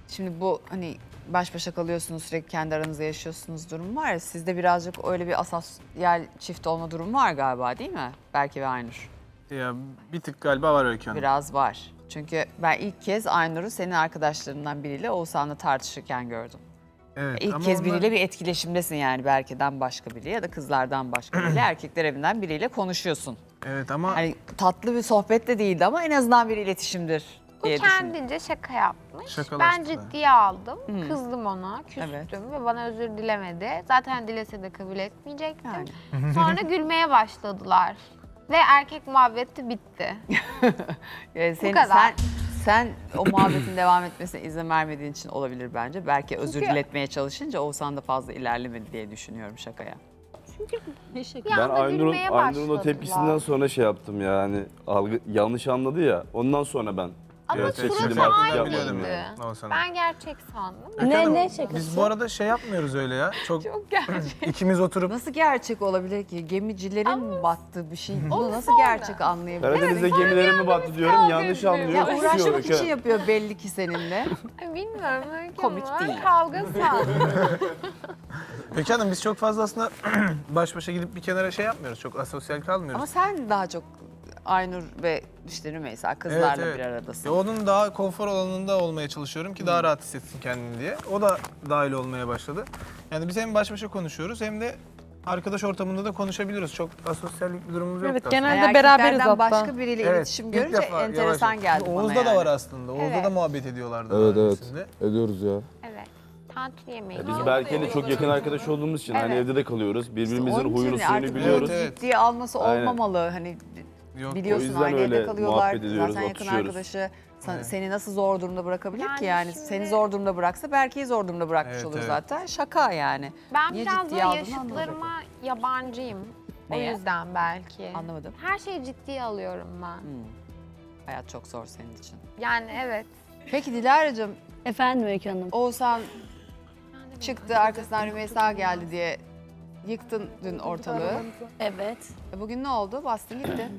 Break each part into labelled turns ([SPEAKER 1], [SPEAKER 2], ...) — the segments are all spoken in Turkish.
[SPEAKER 1] Şimdi bu hani baş başa kalıyorsunuz, sürekli kendi aranızda yaşıyorsunuz durum var ya, sizde birazcık öyle bir asosyal çift olma durumu var galiba, değil mi? Berke ve Aynur.
[SPEAKER 2] Ya bir tık galiba var Öykü Hanım.
[SPEAKER 1] Biraz var. Çünkü ben ilk kez Aynur'u senin arkadaşlarından biriyle Oğuzhan'la tartışırken gördüm.
[SPEAKER 2] Evet,
[SPEAKER 1] İlk
[SPEAKER 2] ama
[SPEAKER 1] kez
[SPEAKER 2] onlar-
[SPEAKER 1] biriyle bir etkileşimdesin yani, Berke'den başka biri ya da kızlardan başka biriyle, erkekler evinden biriyle konuşuyorsun.
[SPEAKER 2] Evet ama
[SPEAKER 1] Hani tatlı bir sohbet de değildi ama en azından bir iletişimdir
[SPEAKER 3] Bu
[SPEAKER 1] diye düşündüm.
[SPEAKER 3] kendince şaka yapmış. Ben
[SPEAKER 2] Şakalaştılar.
[SPEAKER 3] ciddiye aldım. Kızdım ona, küstüm
[SPEAKER 1] Evet.
[SPEAKER 3] ve bana özür dilemedi. Zaten dilese de kabul etmeyecektim.
[SPEAKER 1] Yani.
[SPEAKER 3] Sonra gülmeye başladılar. Ve erkek muhabbeti bitti.
[SPEAKER 1] Sen, sen o muhabbetin devam etmesine izin vermediğin için olabilir bence. Belki özür
[SPEAKER 3] Çünkü-
[SPEAKER 1] diletmeye çalışınca Oğuzhan da fazla ilerlemedi diye düşünüyorum şakaya.
[SPEAKER 3] Bir
[SPEAKER 4] Ben
[SPEAKER 3] anda
[SPEAKER 4] Aynur'un
[SPEAKER 3] gülmeye
[SPEAKER 4] Aynur'un o
[SPEAKER 3] başladılar.
[SPEAKER 4] tepkisinden sonra şey yaptım ya, hani yanlış anladı ya. Ondan sonra ben
[SPEAKER 3] Ama
[SPEAKER 4] biraz
[SPEAKER 3] suratı
[SPEAKER 4] çekildim, artık
[SPEAKER 3] aynıydı.
[SPEAKER 4] yapmadım
[SPEAKER 2] yani.
[SPEAKER 4] yani.
[SPEAKER 2] Oğuzhan'ın.
[SPEAKER 3] Ben gerçek sandım.
[SPEAKER 2] Öykü Hanım,
[SPEAKER 5] ne şakası?
[SPEAKER 2] Biz bu arada şey yapmıyoruz öyle ya. Çok ikimiz oturup
[SPEAKER 1] Nasıl gerçek olabilir ki? Gemicilerin battığı bir şey. Bunu nasıl
[SPEAKER 3] sonra.
[SPEAKER 1] gerçek anlayabilir?
[SPEAKER 4] Karadeniz'de gemilerimi battı diyorum, yanlış anlıyor.
[SPEAKER 1] Ya
[SPEAKER 4] kusuyor
[SPEAKER 1] uğraşmak
[SPEAKER 4] Öykü
[SPEAKER 1] için
[SPEAKER 4] Hanım.
[SPEAKER 1] yapıyor belli ki seninle.
[SPEAKER 3] Ay, bilmiyorum Öykü
[SPEAKER 1] Komik
[SPEAKER 3] ama
[SPEAKER 1] değil.
[SPEAKER 3] kavga sandım.
[SPEAKER 2] Öykü Hanım biz çok fazla aslında baş başa gidip bir kenara şey yapmıyoruz. Çok asosyal kalmıyoruz.
[SPEAKER 1] Ama sen daha çok Aynur ve işte Rümeysa kızlarla bir aradasın.
[SPEAKER 2] Ya onun daha konfor alanında olmaya çalışıyorum ki daha rahat hissetsin kendini diye. O da dahil olmaya başladı. Yani biz hem baş başa konuşuyoruz hem de arkadaş ortamında da konuşabiliyoruz. Çok asosyallik bir durumumuz yok.
[SPEAKER 5] Evet,
[SPEAKER 2] aslında.
[SPEAKER 5] genelde
[SPEAKER 1] Yani
[SPEAKER 5] beraberiz
[SPEAKER 1] erkeklerden
[SPEAKER 5] hatta.
[SPEAKER 1] başka biriyle
[SPEAKER 2] Evet,
[SPEAKER 1] iletişim
[SPEAKER 2] ilk
[SPEAKER 1] görünce
[SPEAKER 2] defa
[SPEAKER 1] enteresan
[SPEAKER 2] yavaş-
[SPEAKER 1] geldi bana
[SPEAKER 2] Oğuz'da
[SPEAKER 1] yani.
[SPEAKER 2] da var aslında. Oğuz'da
[SPEAKER 3] Evet.
[SPEAKER 2] da muhabbet ediyorlardı.
[SPEAKER 4] Evet
[SPEAKER 2] daha
[SPEAKER 4] evet,
[SPEAKER 2] öncesinde.
[SPEAKER 4] ediyoruz ya.
[SPEAKER 3] Evet. Tantuni yemeği.
[SPEAKER 4] Biz Berke'yle çok yakın arkadaş olduğumuz için hani
[SPEAKER 3] Evet.
[SPEAKER 4] evde de kalıyoruz. Birbirimizin
[SPEAKER 1] Onun için
[SPEAKER 4] huyunu suyunu
[SPEAKER 1] artık
[SPEAKER 4] biliyoruz.
[SPEAKER 2] Evet, evet.
[SPEAKER 1] ciddiye alması
[SPEAKER 4] Aynen.
[SPEAKER 1] olmamalı. Hani
[SPEAKER 2] Yok,
[SPEAKER 1] biliyorsun
[SPEAKER 4] o yüzden
[SPEAKER 1] aynı evde
[SPEAKER 4] öyle
[SPEAKER 1] kalıyorlar.
[SPEAKER 4] muhabbet ediyoruz,
[SPEAKER 1] Zaten yakın
[SPEAKER 4] atışıyoruz.
[SPEAKER 1] arkadaşı
[SPEAKER 2] Evet.
[SPEAKER 1] seni nasıl zor durumda bırakabilir
[SPEAKER 3] Yani
[SPEAKER 1] ki yani?
[SPEAKER 3] şimdi-
[SPEAKER 1] Seni zor durumda bıraksa Berke'yi zor durumda bırakmış
[SPEAKER 2] Evet,
[SPEAKER 1] olur
[SPEAKER 2] evet.
[SPEAKER 1] zaten. Şaka yani.
[SPEAKER 3] Ben
[SPEAKER 1] Niye
[SPEAKER 3] biraz
[SPEAKER 1] ciddiye
[SPEAKER 3] da
[SPEAKER 1] aldığını
[SPEAKER 3] yaşıtlarıma yabancıyım.
[SPEAKER 1] Neye?
[SPEAKER 3] O yüzden belki.
[SPEAKER 1] Anlamadım.
[SPEAKER 3] Her şeyi ciddiye alıyorum ben.
[SPEAKER 1] Hayat çok zor senin için.
[SPEAKER 3] Yani evet.
[SPEAKER 1] Peki Dilara'cığım,
[SPEAKER 5] Efendim Öykü Hanım.
[SPEAKER 1] Oğuzhan çıktı arkasından Rümeysa geldi diye yıktın dün ortalığı.
[SPEAKER 5] Evet.
[SPEAKER 1] Bugün ne oldu? Bastın gitti.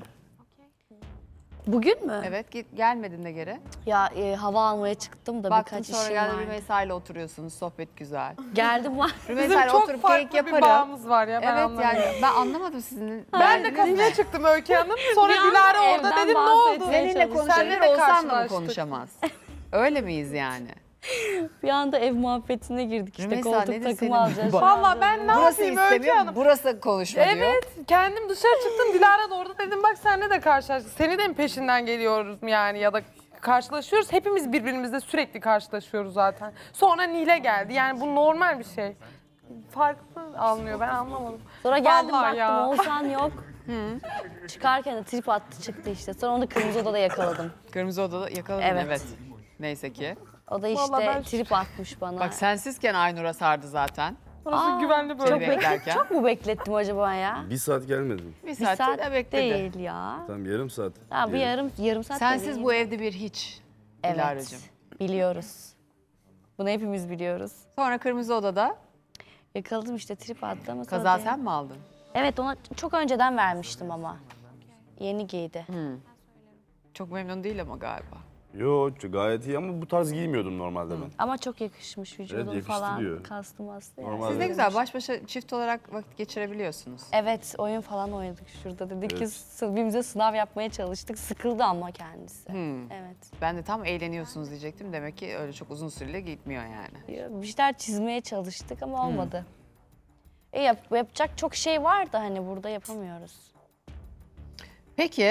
[SPEAKER 5] Bugün mü?
[SPEAKER 1] Evet, gelmedin de geri.
[SPEAKER 5] Ya hava almaya çıktım da
[SPEAKER 1] Baktın
[SPEAKER 5] birkaç
[SPEAKER 1] sonra
[SPEAKER 5] işim
[SPEAKER 1] geldi
[SPEAKER 5] vardı.
[SPEAKER 1] Rümeysa ile oturuyorsunuz, sohbet güzel.
[SPEAKER 5] Geldim var.
[SPEAKER 1] Rümeysa ile oturup keyik yaparım.
[SPEAKER 6] bağımız var ya ben
[SPEAKER 1] Evet
[SPEAKER 6] anlamadım.
[SPEAKER 1] yani ben anlamadım sizin.
[SPEAKER 6] Ben de kafeye çıktım Öykü Hanım. Sonra
[SPEAKER 5] Bir anda
[SPEAKER 6] Dilara orada
[SPEAKER 5] evden
[SPEAKER 6] dedim ne oldu?
[SPEAKER 5] bahsetmeye
[SPEAKER 1] Seninle
[SPEAKER 5] çalıştım.
[SPEAKER 1] konuşabilir,
[SPEAKER 6] Seninle de
[SPEAKER 1] Oğuzhan'la mı
[SPEAKER 6] karşılaştık.
[SPEAKER 1] konuşamaz? Öyle miyiz yani?
[SPEAKER 5] Bir anda ev muhabbetine girdik işte
[SPEAKER 1] Rümeysa,
[SPEAKER 5] koltuk
[SPEAKER 1] nedir
[SPEAKER 5] takımı
[SPEAKER 1] senin-
[SPEAKER 5] alacağız.
[SPEAKER 1] Bak-
[SPEAKER 6] Valla ben ne
[SPEAKER 1] Burası
[SPEAKER 6] yapayım Öykü
[SPEAKER 1] istemiyor,
[SPEAKER 6] Hanım?
[SPEAKER 1] burası konuşma diyor.
[SPEAKER 6] Evet, kendim dışarı çıktım. Dilara da orada dedim bak seninle de karşılaştık. Seni de mi peşinden geliyoruz yani ya da karşılaşıyoruz. Hepimiz birbirimizle sürekli karşılaşıyoruz zaten. Sonra Nile geldi. Yani bu normal bir şey. Farklı almıyor ben anlamadım.
[SPEAKER 5] Sonra geldim
[SPEAKER 6] Vallahi
[SPEAKER 5] baktım
[SPEAKER 6] ya.
[SPEAKER 5] Oğuzhan yok. Çıkarken de trip attı çıktı işte. Sonra onu kırmızı odada yakaladım.
[SPEAKER 1] Kırmızı odada yakaladın
[SPEAKER 5] Evet.
[SPEAKER 1] evet. Neyse ki.
[SPEAKER 5] O da
[SPEAKER 6] Vallahi
[SPEAKER 5] işte
[SPEAKER 6] ben-
[SPEAKER 5] trip atmış bana.
[SPEAKER 1] Bak sensizken Aynur'a sardı zaten.
[SPEAKER 6] Orası güvenli
[SPEAKER 1] Seni
[SPEAKER 6] bölge.
[SPEAKER 1] beklerken.
[SPEAKER 5] Çok mu beklettim acaba ya?
[SPEAKER 4] Bir saat gelmedim.
[SPEAKER 1] Bir
[SPEAKER 5] Bir
[SPEAKER 1] saat,
[SPEAKER 5] saat
[SPEAKER 1] de bekledi.
[SPEAKER 5] değil ya.
[SPEAKER 4] Tam yarım saat.
[SPEAKER 5] Ha, bir
[SPEAKER 4] diyelim.
[SPEAKER 5] yarım saat da
[SPEAKER 1] Sensiz
[SPEAKER 5] değil.
[SPEAKER 1] bu evde bir hiç.
[SPEAKER 5] Evet.
[SPEAKER 1] Dilara'cığım.
[SPEAKER 5] Biliyoruz. Bunu hepimiz biliyoruz.
[SPEAKER 1] Sonra kırmızı odada
[SPEAKER 5] Yakaladım işte trip attı ama sonra
[SPEAKER 1] kaza
[SPEAKER 5] değil.
[SPEAKER 1] sen mi aldın?
[SPEAKER 5] Evet ona çok önceden vermiştim ama. Yeni giydi.
[SPEAKER 1] Çok memnun değil ama galiba.
[SPEAKER 4] Yo, gayet iyi ama bu tarz giymiyordum normalde ben.
[SPEAKER 5] Ama çok yakışmış vücudum
[SPEAKER 4] yakıştı
[SPEAKER 5] falan.
[SPEAKER 4] diyor.
[SPEAKER 5] Kastım astı yani.
[SPEAKER 4] Normal.
[SPEAKER 1] Siz ne
[SPEAKER 4] Evet.
[SPEAKER 1] güzel baş başa çift olarak vakit geçirebiliyorsunuz.
[SPEAKER 5] Evet oyun falan oynadık şurada. Dedik ki
[SPEAKER 4] Evet.
[SPEAKER 5] birbirimize sınav yapmaya çalıştık. Sıkıldı ama kendisi.
[SPEAKER 1] Hmm.
[SPEAKER 5] Evet.
[SPEAKER 1] Ben de tam eğleniyorsunuz diyecektim. Demek ki öyle çok uzun süreli gitmiyor yani.
[SPEAKER 5] Bir şeyler çizmeye çalıştık ama olmadı. Yapacak çok şey var da hani burada yapamıyoruz.
[SPEAKER 1] Peki